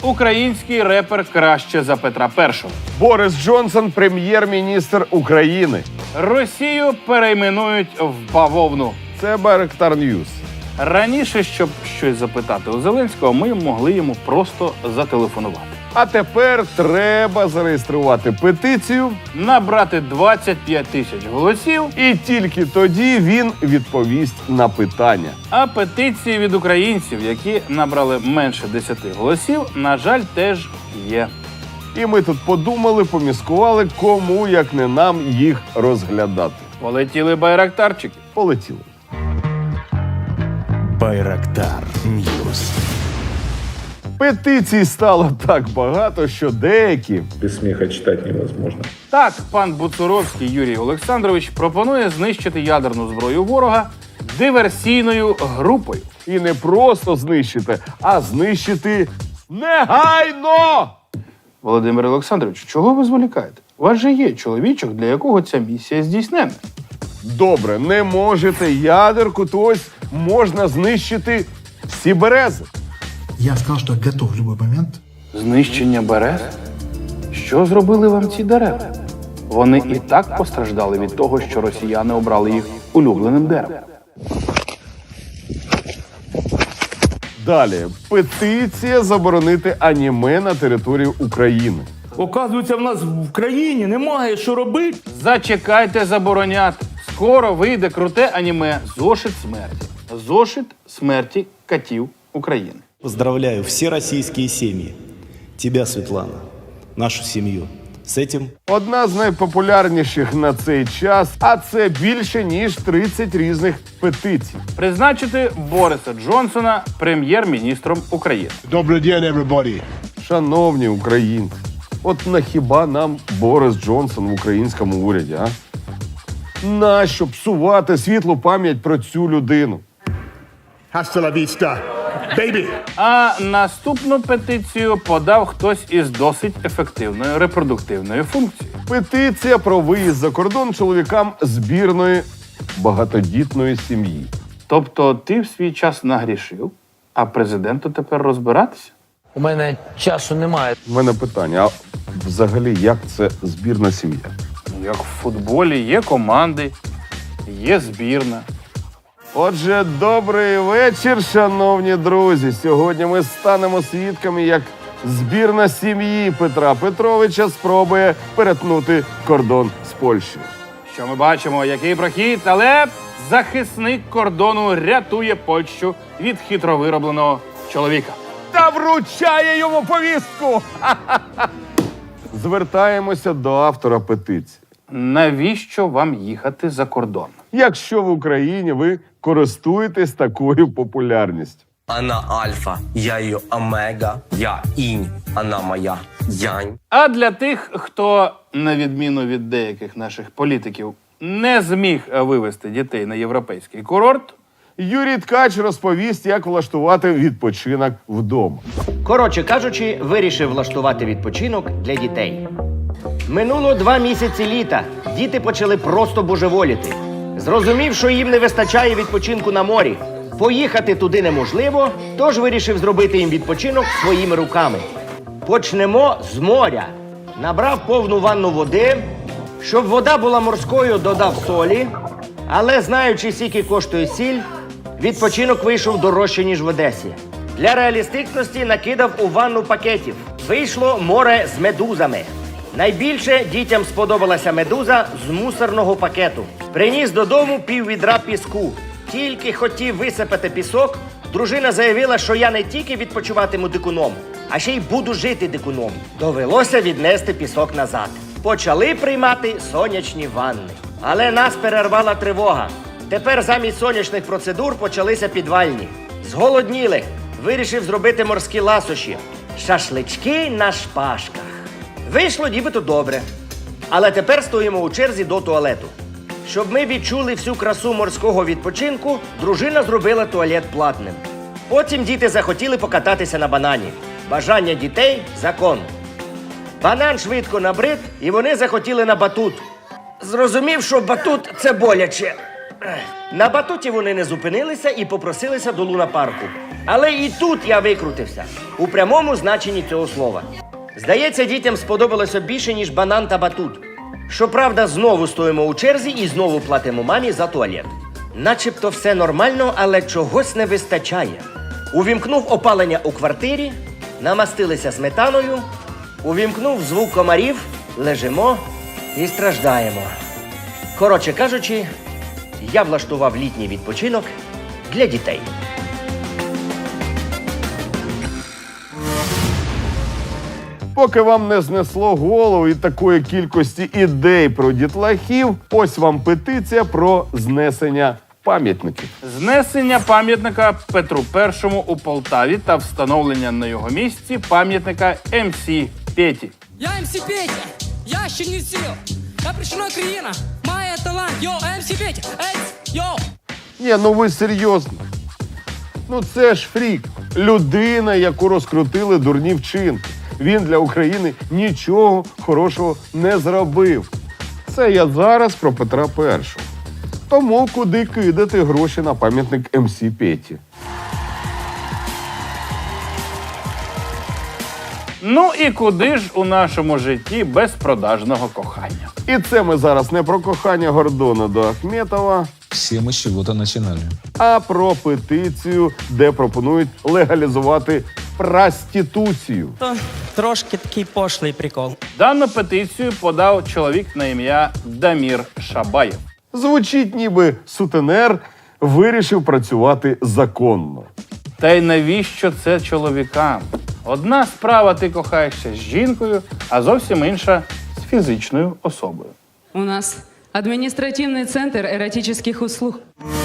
Український репер краще за Петра І. Борис Джонсон – прем'єр-міністр України. Росію перейменують в бавовну. Це Байрактар Ньюс. Раніше, щоб щось запитати у Зеленського, ми могли йому просто зателефонувати. А тепер треба зареєструвати петицію, Набрати 25 тисяч голосів, і тільки тоді він відповість на питання. а петиції від українців, які набрали менше 10 голосів, на жаль, теж є. І ми тут подумали, поміскували, кому, як не нам, їх розглядати. Полетіли байрактарчики. Полетіли. Байрактар Ньюс. Петицій стало так багато, що деякі Без смеха читать невозможно. Так, пан Буцуровський Юрій Олександрович пропонує знищити ядерну зброю ворога диверсійною групою. і не просто знищити, а знищити негайно! Володимир Олександрович, чого ви зволікаєте? У вас же є чоловічок, для якого ця місія здійснена. Добре, не можете ядерку, то ось можна знищити всі берези. Я сказал, что я готов в любой момент. Знищення берез? Що зробили вам ці дерева? Вони і так постраждали від того, що росіяни обрали їх улюбленим деревом. Далі. Петиція заборонити аніме на території України. Оказується, в нас в країні немає що робити. Зачекайте забороняти. Скоро вийде круте аніме «Зошит смерті». «Зошит смерті котів України». Поздравляю все российские семьи. Тебя, Светлана, нашу семью. С этим Одна з найпопулярніших на цей час, а це більше, ніж 30 різних петицій. Призначити Бориса Джонсона прем'єр-міністром України. Добрый день, everybody. Шановні українці, от нахіба нам Борис Джонсон в українському уряді, а? Нащо псувати світлу пам'ять про цю людину? Hasta la vista, baby. А наступну петицію подав хтось із досить ефективною репродуктивною функцією. Петиція про виїзд за кордон чоловікам збірної багатодітної сім'ї. Тобто ти в свій час нагрішив, а президенту тепер розбиратися? У мене часу немає. У мене питання, а взагалі як це збірна сім'я? Як в футболі є команди, є збірна. Отже, добрий вечір, шановні друзі. Сьогодні ми станемо свідками, як збірна сім'ї Петра Петровича спробує перетнути кордон з Польщею. Що ми бачимо, який прохід, але захисник кордону рятує Польщу від хитро виробленого чоловіка. Та вручає йому повістку! Ха-ха-ха! Звертаємося до автора петиції. Навіщо вам їхати за кордон? Якщо в Україні ви користуєтесь такою популярністю. Она альфа, я ее омега, я инь, она моя янь. А для тих, хто, на відміну від деяких наших політиків, не зміг вивезти дітей на європейський курорт, Юрій Ткач розповість, як влаштувати відпочинок вдома. Коротше кажучи, вирішив влаштувати відпочинок для дітей. Минуло 2 місяці літа. Діти почали просто божеволіти. Зрозумів, що їм не вистачає відпочинку на морі. Поїхати туди неможливо, тож вирішив зробити їм відпочинок своїми руками. Почнемо з моря. Набрав повну ванну води. Щоб вода була морською, додав солі. Але знаючи, скільки коштує сіль, відпочинок вийшов дорожче, ніж в Одесі. Для реалістичності накидав у ванну пакетів. Вийшло море з медузами. Найбільше дітям сподобалася медуза з мусорного пакету. Приніс додому піввідра піску. Тільки хотів висипати пісок, дружина заявила, що я не тільки відпочиватиму дикуном, а ще й буду жити дикуном. Довелося віднести пісок назад. Почали приймати сонячні ванни. Але нас перервала тривога. Тепер замість сонячних процедур почалися підвальні. Зголодніли. Вирішив зробити морські ласощі. Шашлички на шпажках. Вийшло нібито добре. Але тепер стоїмо у черзі до туалету. Щоб ми відчули всю красу морського відпочинку, дружина зробила туалет платним. Потім діти захотіли покататися на банані. Бажання дітей – закон. Банан швидко набрид, і вони захотіли на батут. Зрозумів, що батут – це боляче. На батуті вони не зупинилися і попросилися до лунапарку. Але і тут я викрутився. У прямому значенні цього слова. Здається, дітям сподобалося більше, ніж банан та батут. Щоправда, знову стоїмо у черзі і знову платимо мамі за туалет. Начебто все нормально, але чогось не вистачає. Увімкнув опалення у квартирі, намастилися сметаною, увімкнув звук комарів, лежимо і страждаємо. Коротше кажучи, я влаштував літній відпочинок для дітей. Поки вам не знесло голову і такої кількості ідей про дітлахів, ось вам петиція про знесення пам'ятників. Знесення пам'ятника Петру І у Полтаві та встановлення на його місці пам'ятника МС Петі. Я МС Петя, я ще не сіл. Я прийшла країна, має талант. Йо, МС Петя, йо. Ні, ну ви серйозно. Ну це ж фрік. Людина, яку розкрутили дурні вчинки. Він для України нічого хорошого не зробив. Це я зараз про Петра І. Тому куди кидати гроші на пам'ятник МС Петі? Ну і куди ж у нашому житті без продажного кохання? І це ми зараз не про кохання Гордона до Ахметова, Всі ми з чого-то починали. а про петицію, де пропонують легалізувати проституцію. Трошки такий пошлий прикол. Дану петицію подав чоловік на ім'я Дамір Шабаєв. Звучить, ніби сутенер вирішив працювати законно. Та й навіщо це чоловікам? Одна справа ти кохаєшся з жінкою, а зовсім інша з фізичною особою. У нас адміністративний центр еротичних услуг.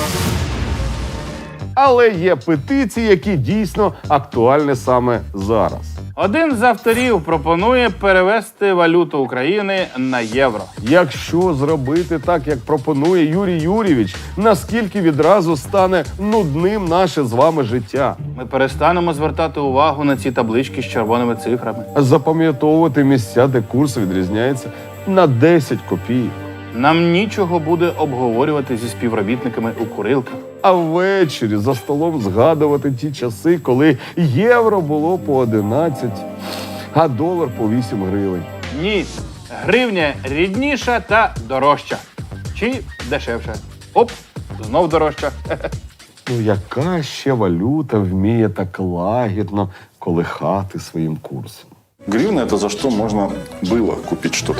Але є петиції, які дійсно актуальні саме зараз. Один з авторів пропонує перевести валюту України на євро. Якщо зробити так, як пропонує Юрій Юрійович, наскільки відразу стане нудним наше з вами життя? Ми перестанемо звертати увагу на ці таблички з червоними цифрами. Запам'ятовувати місця, де курс відрізняється на 10 копійок. Нам нічого буде обговорювати зі співробітниками у курилках. А ввечері за столом згадувати ті часи, коли євро було по 11, а долар по 8 гривень. Ні, гривня рідніша та дорожча. Чи дешевша. Оп, знов дорожча. Ну яка ще валюта вміє так лагідно колихати своїм курсом? Гривна – это за что можно было купить что-то.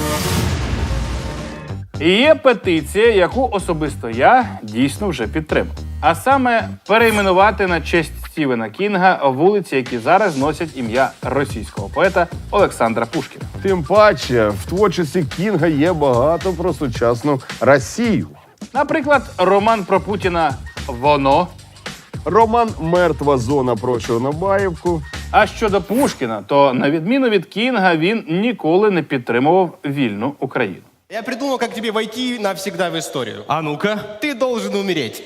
І є петиція, яку особисто я дійсно вже підтримав. А саме перейменувати на честь Стівена Кінга вулиці, які зараз носять ім'я російського поета Олександра Пушкіна. Тим паче, в творчості Кінга є багато про сучасну Росію. Наприклад, роман про Путіна «Воно». Роман «Мертва зона» про Чорнобаївку. А щодо Пушкіна, то на відміну від Кінга він ніколи не підтримував вільну Україну. Я придумал, как тебе войти навсегда в историю. А ну-ка, ты должен умереть.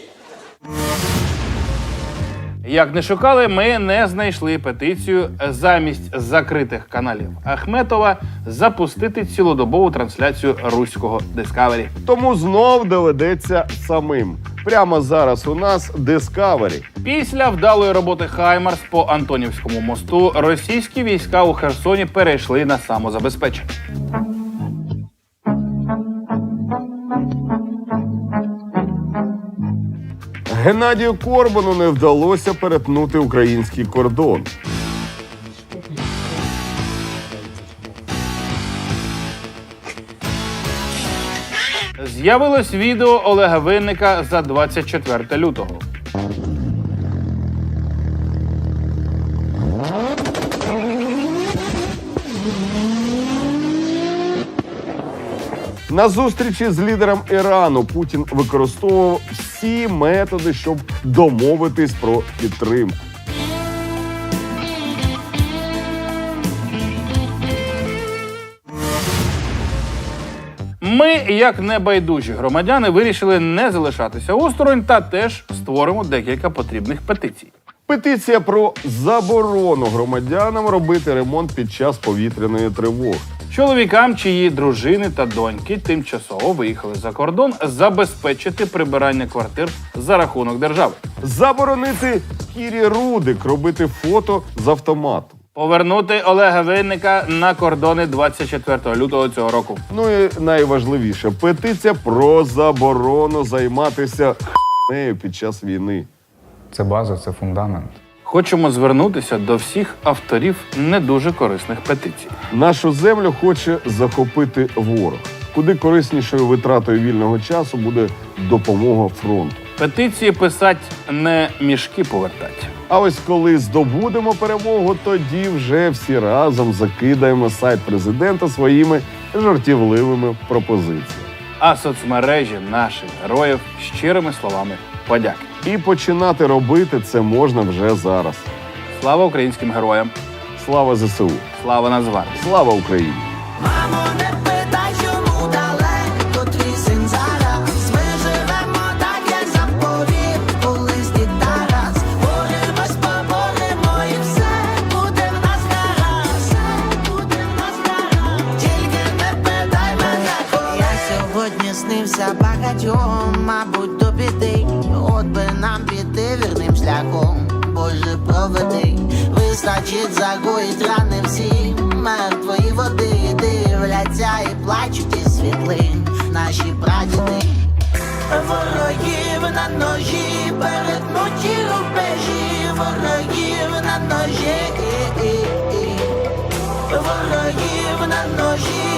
Як не шукали, ми не знайшли петицію замість закритих каналів Ахметова запустити цілодобову трансляцію руського Discovery. Тому знов доведеться самим. Прямо зараз у нас Discovery. Після вдалої роботи «Хаймарс» по Антонівському мосту російські війська у Херсоні перейшли на самозабезпечення. Геннадію Корбану не вдалося перетнути український кордон. З'явилось відео Олега Винника за 24 лютого. На зустрічі з лідером Ірану Путін використовував всі методи, щоб домовитись про підтримку. Ми, як небайдужі громадяни, вирішили не залишатися осторонь та теж створимо декілька потрібних петицій. Петиція про заборону громадянам робити ремонт під час повітряної тривоги. Чоловікам, чиї дружини та доньки тимчасово виїхали за кордон, забезпечити прибирання квартир за рахунок держави. Заборонити Кірі Рудик робити фото з автоматом. Повернути Олега Винника на кордони 24 лютого цього року. Ну і найважливіше – петиція про заборону займатися х**нею під час війни. Це база, це фундамент. Хочемо звернутися до всіх авторів не дуже корисних петицій. Нашу землю хоче захопити ворог. Куди кориснішою витратою вільного часу буде допомога фронту. Петиції писать не мішки повертать. А ось коли здобудемо перемогу, тоді вже всі разом закидаємо сайт президента своїми жартівливими пропозиціями. А соцмережі наших героїв щирими словами подяки. І починати робити це можна вже зараз. Слава українським героям! Слава ЗСУ! Слава Нацгвардії! Слава Україні! Мамо, не питай, чому далеко твій син зараз. Ми живемо так, як заповів колись дід Тарас. Боремось, поборемо і все буде в нас гаразд. Все буде в нас гаразд. Тільки не питай мене, коли. Я сьогодні снився багатьом, мабуть, до біди. От би нам піти вірним шляхом, Боже, проведи. Вистачить загоїть рани всі, мертвої води. Дивляться і плачуть із світлин наші прадіди. Ворогів на ножі, перетнуті рубежі. Ворогів на ножі, ворогів на ножі.